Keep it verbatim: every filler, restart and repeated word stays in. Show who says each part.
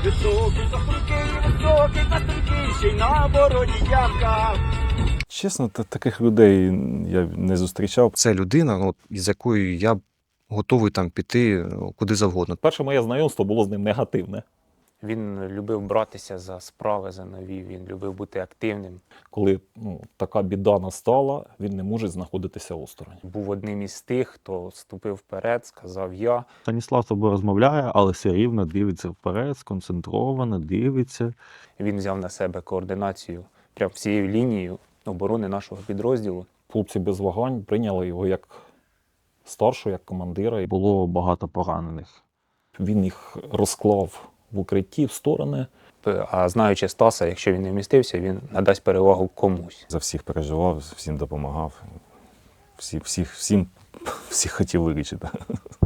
Speaker 1: Високий кострункий, високий кострункий, ще й на бороді ямка.
Speaker 2: Чесно, та- таких людей я не зустрічав.
Speaker 3: Це людина, ну, із якою я готовий там піти ну, куди завгодно.
Speaker 4: Перше моє знайомство було з ним негативне.
Speaker 5: Він любив братися за справи, за нові, він любив бути активним.
Speaker 4: Коли ну, така біда настала, він не може знаходитися осторонь.
Speaker 5: Був одним із тих, хто ступив вперед, сказав «я».
Speaker 6: Станіслав з тобою розмовляє, але все рівно дивиться вперед, сконцентровано, дивиться.
Speaker 5: Він взяв на себе координацію прямо всією лінією оборони нашого підрозділу.
Speaker 4: Хлопці без вагань прийняли його як старшого, як командира. І
Speaker 6: Було багато поранених.
Speaker 4: він їх розклав в укритті, в сторони.
Speaker 5: А знаючи Стаса, якщо він не вмістився, він надасть перевагу комусь.
Speaker 2: За всіх переживав, всім допомагав. Всі, всіх, всім, всіх хотів вилічити.